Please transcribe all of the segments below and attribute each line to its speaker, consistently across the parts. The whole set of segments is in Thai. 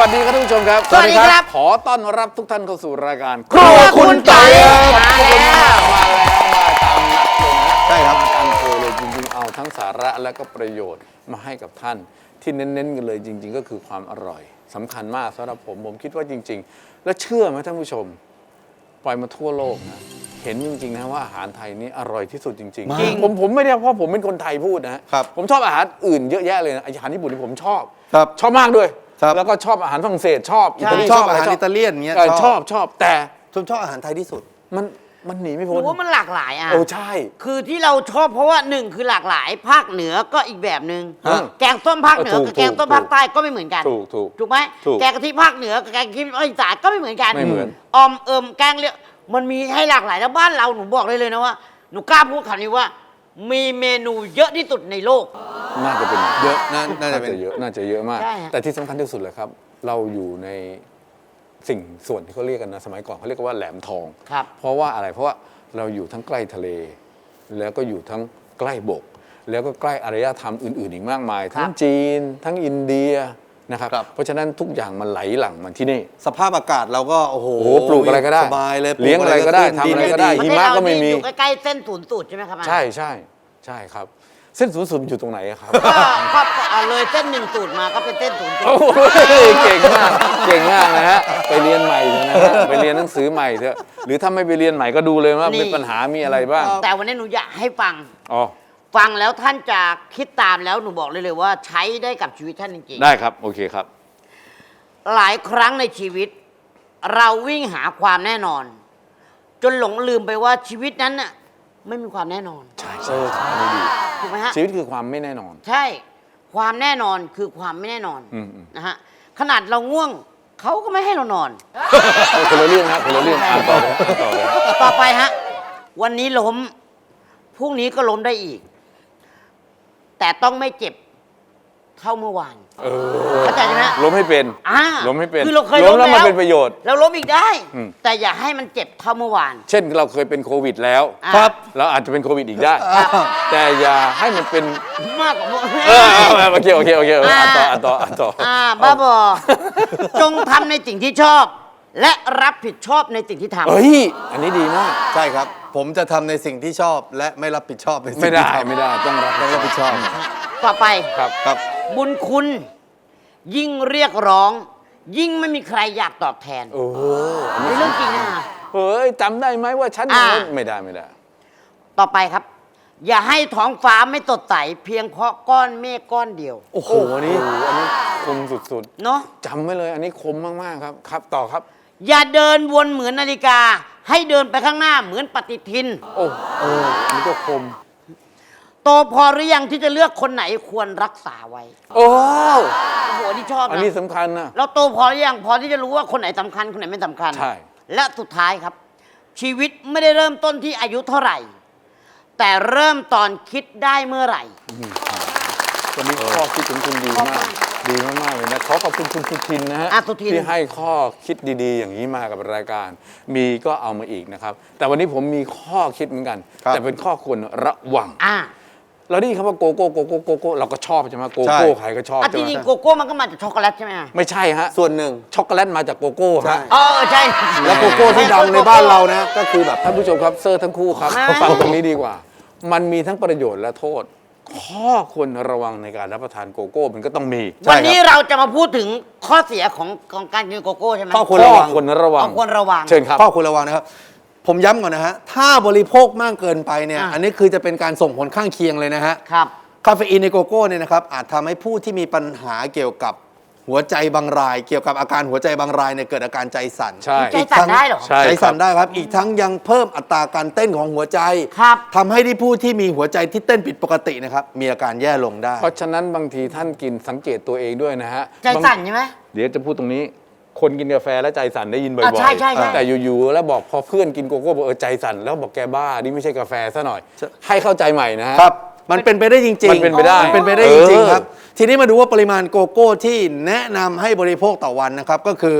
Speaker 1: วัสดีครับท่านผู้ชมครับ
Speaker 2: สวัสดีครับ
Speaker 1: ขอต้อนรับทุกท่านเข้าสู่รายการ
Speaker 2: ครัวคุณไก่มาแล้ว
Speaker 1: มาตามนัดเลยนะ
Speaker 3: ใช่ครับ
Speaker 1: มาตามโพยเลยจริงๆเอาทั้งสาระและก็ประโยชน์มาให้กับท่านที่เน้นๆกันเลยจริง ๆ ก็คือความอร่อยสำคัญมากสำหรับผมคิดว่าจริง ๆ และเชื่อไหมท่านผู้ชมปล่อยมาทั่วโลกนะเห็นจริงๆนะว่าอาหารไทยนี่อร่อยที่สุดจริง
Speaker 3: จริง
Speaker 1: ๆผมไม่ได้เพราะผมเป็นคนไทยพูดนะครับ ผมชอบอาหารอื่นเยอะแยะเลยนะอาหารญี่ปุ่นที่ผมชอบ
Speaker 3: ครับ
Speaker 1: ชอบมากด้วย
Speaker 3: ครับ
Speaker 1: แล้วก็ชอบอาหารฝรั่งเศสชอบอิตาลี
Speaker 3: ชอบอาหารอิตาเลียนเงี้ย
Speaker 1: ชอบแต่
Speaker 3: ชอบอาหารไทยที่สุด
Speaker 1: มันหนีไม่
Speaker 2: ห
Speaker 1: พ้
Speaker 2: นู
Speaker 1: น
Speaker 2: ว่ามันหลากหลายอ่ะ
Speaker 1: โอ้ใช่
Speaker 2: คือที่เราชอบเพราะว่าหนึ่งคือหลากหลายภาคเหนือก็อีกแบบหนึ่ง
Speaker 1: ฮะ
Speaker 2: แกงส้มภาคเหนือ
Speaker 1: ถูก
Speaker 2: กับแกงส้มภาคใต้ก็ไม่เหมือนกัน
Speaker 1: ถูก
Speaker 2: ไหม
Speaker 1: ถูก
Speaker 2: แกงกะทิภาคเหนือกับแกงกะทิภาคอีสานก็ไม่เหมือนกัน
Speaker 1: ไม่เหมือน
Speaker 2: อมแกงเลียมันมีให้หลากหลายแล้วบ้านเราหนูบอกได้เลยนะว่าหนูกล้าพูดคำนี้ว่า มีเมนูเยอะที่สุดในโลก
Speaker 1: น่าจะเป็น
Speaker 3: เยอะน่าจะเป็น
Speaker 1: เยอะน่าจะเยอะมาก
Speaker 2: ใช่ฮะ
Speaker 1: แต่ที่สำคัญที่สุดเลยครับ เราอยู่ในสิ่งส่วนที่เขาเรียกกันนะสมัยก่อนเขาเรียกว่าแหลมทอง
Speaker 2: ครับ
Speaker 1: เพราะว่าอะไรเพราะว่าเราอยู่ทั้งใกล้ทะเล แล้วก็อยู่ทั้งใกล้บก แล้วก็ใกล้อารยธรรมอื่นๆอีกมากมาย ทั้งจีน ทั้งอินเดียนะครับ
Speaker 3: ครับ
Speaker 1: เพราะฉะนั้นทุกอย่างมันไหลหลั่งมันที่นี่
Speaker 3: สภาพอากาศเราก็โอ้โห
Speaker 1: โอ้โหปลูกอะไรก็ได้
Speaker 3: สบายเลย
Speaker 1: เลี้ยงอะไรก็ได้
Speaker 3: ปลู
Speaker 1: ทำอะไรก็ได้
Speaker 3: ดิน
Speaker 1: หิมะก็ไม่มี
Speaker 2: อยู่ใกล้ๆเส้นศูนย์สูตรใช่ไหมครับ
Speaker 1: ใช่ครับ เส้นศูนย์สูตรมันอยู่ตรงไหนอะครับ
Speaker 2: ก็เลยเส้นหนึ่งสูตรมาก็เป็นเส้นศูนย์สูต
Speaker 1: โอ้
Speaker 2: ร
Speaker 1: โหเก่งมากนะฮะไปเรียนใหม่เถอะนะฮะไปเรียนหนังสือใหม่เถอะหรือถ้าไม่ไปเรียนใหม่ก็ดูเลยว่ามีปัญหามีอะไรบ้าง
Speaker 2: แต่วันนี้หนูอยากให้ฟัง
Speaker 1: อ๋อ
Speaker 2: ฟังแล้วท่านจะคิดตามแล้วหนูบอกเลยว่าใช้ได้กับชีวิตท่านจริง
Speaker 1: ได้ครับโอเคครับ
Speaker 2: ๆหลายครั้งในชีวิต เราวิ่งหาความแน่นอน จนหลงลืมไปว่าชีวิตนั้นน่ะไม่มีความแน่นอน
Speaker 1: ใช่อันนี้ดี
Speaker 2: ถูกไหมฮะ
Speaker 1: ชีวิตคือความไม่แน่นอน
Speaker 2: ใช่ความแน่นอนคือความไม่แน่นอน
Speaker 1: อืม
Speaker 2: นะฮะขนาดเราง่วงเขาก็ไม่ให้เรานอน
Speaker 1: คนละเรื่องนะคนละเรื่องอ่านต่อเลยอ่านต่อเลย
Speaker 2: ต่อไปฮะวันนี้ล้มพรุ่งนี้ก็ล้มได้อีก แต่ต้องไม่เจ็บเท่าเมื่อวาน เข้าใจใช่ไหม
Speaker 1: ล้มให้เป็น
Speaker 2: อ่า
Speaker 1: ล้มให้เป็น
Speaker 2: คือเราเคย
Speaker 1: ล้
Speaker 2: ล้
Speaker 1: ม
Speaker 2: ม
Speaker 1: แล้ว
Speaker 2: แล้ว
Speaker 1: มันเป็นประโยชน์
Speaker 2: เราล้มอีกได้
Speaker 1: อืม
Speaker 2: แต่อย่าให้มันเจ็บเท่าเมื่อวาน
Speaker 1: เช่นเราเคยเป็นโควิดแล้ว
Speaker 2: ครับ
Speaker 1: เราอาจจะเป็นโควิดอีกได้ แต่อย่าให้มันเป็น
Speaker 2: มากกว่าเมื่อ
Speaker 1: โอเคอ่านต่อ
Speaker 2: บ้าบอ จงทำในสิ่งที่ชอบ และรับผิดชอบในสิ่งที่ทำ
Speaker 1: เฮ้ยอันนี้ดีมาก
Speaker 3: ใช่ครับ ผมจะทำในสิ่งที่ชอบและไม่รับผิดชอบในสิ่ง
Speaker 1: ไม่ได้
Speaker 3: ที่ทำ
Speaker 1: ไม่ได้ต้องรับผิดชอบ
Speaker 2: ต่อไป
Speaker 1: ครับ
Speaker 3: ครับ
Speaker 2: บุญคุณยิ่งเรียกร้อง ยิ่งไม่มีใครอยากตอบแทน
Speaker 1: โอ้โห
Speaker 2: เป็นเรื่องจริงนะ
Speaker 1: เฮ้ยจำได้ไหมว่าฉัน
Speaker 2: อ่า
Speaker 1: ไม่ได้
Speaker 2: ต่อไปครับ อย่าให้ท้องฟ้าไม่สดใสเพียงเพราะก้อนเมฆก้อนเดียว
Speaker 1: โอ้โหอันนี้คมสุด
Speaker 2: เนาะ
Speaker 1: ๆจำไว้เลย อันนี้คมมากๆครับครับต่อครับ
Speaker 2: อย่าเดินวนเหมือนนาฬิกา ให้เดินไปข้างหน้าเหมือนปฏิทิน
Speaker 1: โอ้อันนี้ก็คม
Speaker 2: โตพอหรือยังที่จะเลือกคนไหนควรรักษาไว้
Speaker 1: โอ้
Speaker 2: โอ้โหนี่ชอบ
Speaker 1: อัน
Speaker 2: นะ
Speaker 1: นี้สำคัญนะ
Speaker 2: เราโตพอหรือยังพอที่จะรู้ว่าคนไหนสำคัญคนไหนไม่สำคัญ
Speaker 1: ใช่
Speaker 2: และสุดท้ายครับ ชีวิตไม่ได้เริ่มต้นที่อายุเท่าไหร่ แต่เริ่มตอนคิดได้เมื่อไหร่
Speaker 1: วันนี้ข้อคิดของคุณดีมากดีมากๆเลยนะขอขอบคุณคุณสุทินนะฮะ
Speaker 2: สุทิน
Speaker 1: ที่ให้ข้อคิดดีๆ อย่างนี้มากับรายการ มีก็เอามาอีกนะครับ แต่วันนี้ผมมีข้อคิดเหมือนกัน
Speaker 3: ครับ
Speaker 1: แต่เป็นข้อควรระวัง เราได้ยินคำว่าโกโก้โกโก้โกโก้เราก็ชอบใช่ไหมโกโก้ใครก็ชอบ
Speaker 2: จ
Speaker 1: ใช่ไหม
Speaker 2: ริงๆโกโก้มันก็มาจากช็อกโกแลตใช่ไหม
Speaker 1: ไม่ใช่ฮะ
Speaker 3: ส่วนหนึ่ง
Speaker 1: ช็อกโกแลตมาจากโกโก้ฮะ
Speaker 2: ใช่
Speaker 3: แล้วโกโก้ที่ดังในบ้านเรานะ ก็คือแบบ
Speaker 1: ท่านผู้ชมครับเซอร์ทั้งคู่ครับ
Speaker 2: ไม่
Speaker 1: ฟังตรงนี้ดีกว่า มันมีทั้งประโยชน์และโทษ ข้อควรระวังในการรับประทานโกโก้มันก็ต้องมี
Speaker 3: ใช่
Speaker 2: วันนี้เราจะมาพูดถึงข้อเสียของการกินโกโก้ใช่ไหม
Speaker 3: ข้อควรระวัง
Speaker 1: ควรระวัง
Speaker 2: ควรระวัง
Speaker 1: เชิญครับ
Speaker 3: ข้อควรระวังนะครับ ผมย้ำก่อนนะฮะ ถ้าบริโภคมากเกินไปเนี่ย อันนี้คือจะเป็นการส่งผลข้างเคียงเลยนะฮะ
Speaker 2: ครับ
Speaker 3: คาเฟอีนในโกโก้เนี่ยนะครับอาจทำให้ผู้ที่มีปัญหาเกี่ยวกับหัวใจบางราย เกี่ยวกับอาการหัวใจบางรายเนี่ยเกิดอาการใจสั่น
Speaker 1: ใช่
Speaker 2: ใจสั่นได้เหรอ
Speaker 1: ใช่
Speaker 3: ใจสั่น
Speaker 1: ครับ
Speaker 3: ได้ครับ อีกทั้งยังเพิ่มอัตราการเต้นของหัวใจ
Speaker 2: ครับ
Speaker 3: ทำให้ที่ผู้ที่มีหัวใจที่เต้นผิดปกตินะครับมีอาการแย่ลงได้
Speaker 1: เพราะฉะนั้นบางทีท่านกินสังเกตตัวเองด้วยนะฮะ
Speaker 2: ใจสั่นใช่ไหม
Speaker 1: เดี๋ยวจะพูดตรงนี้ คนกินกาแฟแล้วใจสั่นได้ยินบ่อย
Speaker 2: ใช่
Speaker 1: แต่อยู่ๆแล้วบอกพอเพื่อนกินโกโก้บอกใจสั่นแล้วบอกแกบ้านี่ไม่ใช่กาแฟซะหน่อย
Speaker 3: ใช่
Speaker 1: ให้เข้าใจใหม่นะฮะ
Speaker 3: ครับ มันเป็นไปได้จริงๆ
Speaker 1: มันเป็นไปได้
Speaker 3: มันเป็นไปได้จริงๆครับ ทีนี้มาดูว่าปริมาณโกโก้ที่แนะนำให้บริโภคต่อวันนะครับ ก็คือ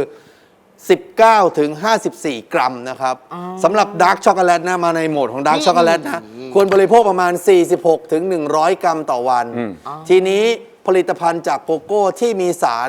Speaker 3: 19 ถึง 54 กรัมนะครับสำหรับดาร์กช็อกโกแลตนะมาในโหมดของดาร์กช็อกโกแลตนะควรบริโภคประมาณ 46 ถึง 100 กรัมต่อวัน ทีนี้ผลิตภัณฑ์จากโกโก้ที่มีสาร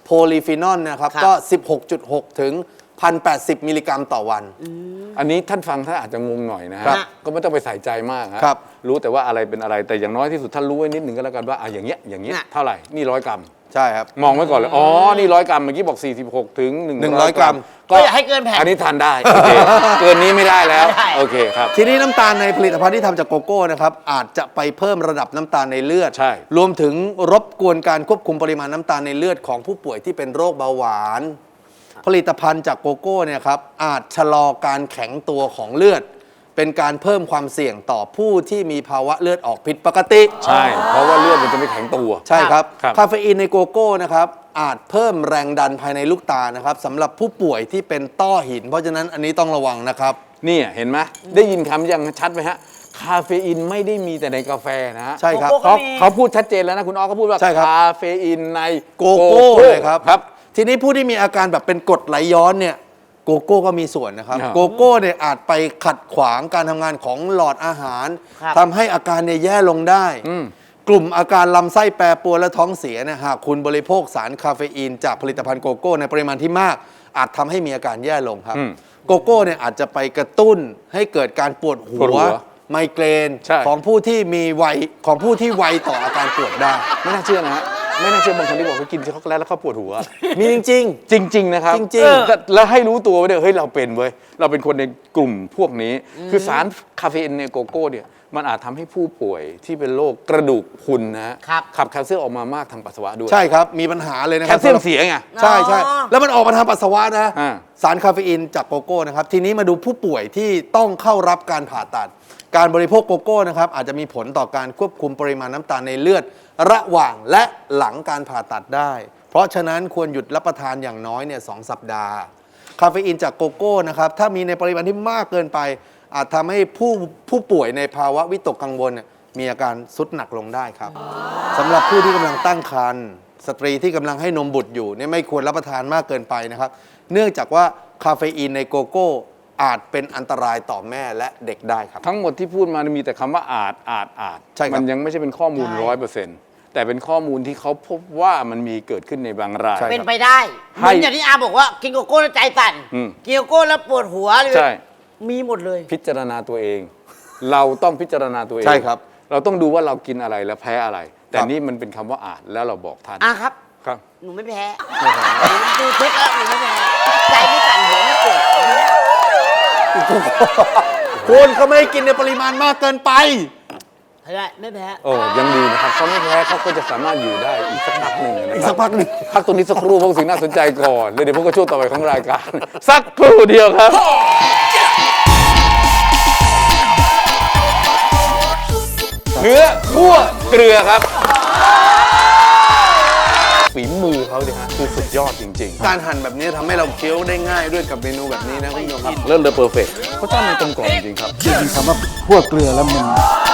Speaker 3: โพลีฟีนอลนะครับ
Speaker 2: ครับ
Speaker 3: ก็ 16.6 ถึง 1,080 มิลลิกรัมต่อวัน
Speaker 1: อันนี้ท่านฟังท่านอาจจะงงหน่อยนะ
Speaker 3: ครั
Speaker 1: ฮะ
Speaker 3: บ
Speaker 1: ก็ไม่ต้องไปใส่ใจมากฮะ
Speaker 3: ครับ
Speaker 1: รู้แต่ว่าอะไรเป็นอะไรแต่อย่างน้อยที่สุดท่านรู้ไว้นิดหนึ่งก็แล้วกันว่าอย่างเงี้ยเท่าไหร่นี่100 กรัม
Speaker 3: ใช่ครับ
Speaker 1: มองไว้ก่อนเลยอ๋อนี่100 กรัมเมื่อกี้บอก46 ถึง
Speaker 3: 100 กรัม
Speaker 2: ก็อย่าให้เกินแผ่น
Speaker 1: อันนี้ทานได้โอเคเกินนี้ไม่ได้แล้ว
Speaker 2: ไม่ได้
Speaker 1: โอเคครับ
Speaker 3: ทีนี้น้ำตาลในผลิตภัณฑ์ที่ทำจากโกโก้นะครับอาจจะไปเพิ่มระดับน้ำตาลในเลือด
Speaker 1: ใช่
Speaker 3: รวมถึงรบกวนการควบคุมปริมาณน้ำตาลในเลือดของผู้ป่วยที่เป็นโรคเบาหวาน ผลิตภัณฑ์จากโกโก้เนี่ยครับอาจชะลอการแข็งตัวของเลือด เป็นการเพิ่มความเสี่ยงต่อผู้ที่มีภาวะเลือดออกผิดปกติ
Speaker 1: ใช่ เพราะว่าเลือดมันจะไม่แข็งตัว
Speaker 3: ใช่ครับ
Speaker 1: ครับ
Speaker 3: คาเฟอีนในโกโก้นะครับอาจเพิ่มแรงดันภายในลูกตานะครับสำหรับผู้ป่วยที่เป็นต้อหิน เพราะฉะนั้นอันนี้ต้องระวังนะครับ
Speaker 1: เนี่ยเห็นไหมได้ยินคำยังชัดไหมฮะคาเฟอีนไม่ได้มีแต่ในกาแฟนะฮะ
Speaker 3: ใช่ครับ
Speaker 2: โกโก้
Speaker 1: เขาพูดชัดเจนแล้วนะคุณอ้อเขาพูดว่า
Speaker 3: ใช่ครับ
Speaker 1: คาเฟอีนใน
Speaker 3: โกโก้เลยครับ
Speaker 1: ครับ
Speaker 3: ทีนี้ผู้ที่มีอาการแบบเป็นกรดไหลย้อนเนี่ยโกโก้ก็มีส่วนนะครับ
Speaker 1: ครับ
Speaker 3: โกโก้เนี่ยอาจไปขัดขวางการทำงานของหลอดอาหาร
Speaker 2: ครับ
Speaker 3: ทำให้อาการเนี่ยแย่ลงได้ กลุ่มอาการลำไส้แปรปรวนและท้องเสียเนี่ยหากคุณบริโภคสารคาเฟอีนจากผลิตภัณฑ์โกโก้ในปริมาณที่มาก อาจทำให้มีอาการแย่ลงครับ โกโก้เนี่ยอาจจะไปกระตุ้นให้เกิดการปวดหั
Speaker 1: ปวดหั
Speaker 3: ว
Speaker 1: ว
Speaker 3: ไมเกรน
Speaker 1: ใช่
Speaker 3: ของผู้ที่มีวัยของผู้ที่ไวต่ออาการปวดได้
Speaker 1: ไม่น่าเชื่อนะฮะไม่น่าเชื่อบางคนที่บอกเขากินช็อกโกแลตแล้วเขาปวดหัว
Speaker 3: มีจริง
Speaker 1: จริง ๆ นะครับ
Speaker 3: จริงๆ
Speaker 1: แล้วให้รู้ตัวไว้ด้วยเฮ้ยเราเป็นเว้ยเราเป็นคนในกลุ่มพวกนี้ คือสารคาเฟอีนในโกโก้เนี่ยมันอาจทำให้ผู้ป่วยที่เป็นโรคกระดูกพรุนนะฮะ
Speaker 2: ครับ
Speaker 1: ขับแคลเซียมออกมามากทางปัสสาวะด้วย
Speaker 3: ใช่ครับมีปัญหาเลยนะค
Speaker 1: แค
Speaker 3: รั
Speaker 1: ลเซียมเสียไง
Speaker 3: ใช่ใช่
Speaker 2: อ๋อ
Speaker 3: แล้วมันออกมาทางปัสสาวะนะ
Speaker 1: อ่า
Speaker 3: สารคาเฟอีนจากโกโก้นะครับ ทีนี้มาดูผู้ป่วยที่ต้องเข้ารับการผ่าตัด การบริโภคโกโก้นะครับอาจจะมีผลต่อการควบคุมปริมาณน้ำตาลในเลือด ระหว่างและหลังการผ่าตัดได้ เพราะฉะนั้นควรหยุดรับประทานอย่างน้อยเนี่ย2 สัปดาห์ คาเฟอีนจากโกโก้นะครับถ้ามีในปริมาณที่มากเกินไป อาจทำให้ผู้ป่วยในภาวะวิตกกังวลเนี่ยมีอาการทรุดหนักลงได้ครับสำหรับผู้ที่กำลังตั้งครรภ์สตรีที่กำลังให้นมบุตรอยู่เนี่ยไม่ควรรับประทานมากเกินไปนะครับ เนื่องจากว่าคาเฟอีนในโกโก้อาจเป็นอันตรายต่อแม่และเด็กได้ครับ
Speaker 1: ทั้งหมดที่พูดมามีแต่คำว่าอาจ
Speaker 3: ใช่ครับ
Speaker 1: มันยังไม่ใช่เป็นข้อมูล
Speaker 2: ใช่
Speaker 1: 100%แต่เป็นข้อมูลที่เขาพบว่ามันมีเกิดขึ้นในบางราย
Speaker 3: ใช่
Speaker 2: เป็นไปได้เหมือนอย่างที่อาบอกว่ากินโกโก้แล้วใจสั่น
Speaker 1: อืม
Speaker 2: กินโกโก้แล้วปวดหัวเลย
Speaker 1: ใช่
Speaker 2: มีหมดเลย
Speaker 1: พิจารณาตัวเอง เราต้องพิจารณาตัวเอง
Speaker 3: ใช่ครับ
Speaker 1: เราต้องดูว่าเรากินอะไรและแพ้อะไร แต่
Speaker 3: ครับ
Speaker 1: นี่มันเป็นคำว่าอาจแล้วเราบอกท่าน
Speaker 2: ครับ
Speaker 1: ครับ
Speaker 2: หนูไม่แพ้หนูดูเช็คแล้วหนูไม่แพ้ใจไม่สั่นหัวไม่ปวด
Speaker 3: คุณเขาไม่ให้กินในปริมาณมากเกินไป
Speaker 2: ใช่ไม่แพ้
Speaker 1: โอ้ยังดีนะครับเขาไม่แพ้เขาก็จะสามารถอยู่ได้อีกสักพักหนึ่งนะ
Speaker 3: อีก
Speaker 1: ค
Speaker 3: สั
Speaker 1: รั
Speaker 3: ก
Speaker 1: บ
Speaker 3: พักหนึ่ง
Speaker 1: พักตรงนี้สักครู่เพราะสิ่งน่าสนใจก่อนแล้วเดี๋ยวพวกก็ช่วงต่อไปของรายการ สักครู่เดียวครับ เนื้อคั่วเกลือครับฝีมือเขาเนี่ยฮะคือสุดยอดจริง
Speaker 3: การหั่นแบบนี้ทำให้เราเคี้ยวได้ง่ายด้วยกับเมนูแบบนี้นะคุณผู้ชมครับ
Speaker 1: ๆ เริ่มเลยเพอร์เฟกต์เขาจ้างมันกลมกล่อมจริงครับ
Speaker 4: คำว่าคั่วเกลือแล้วมัน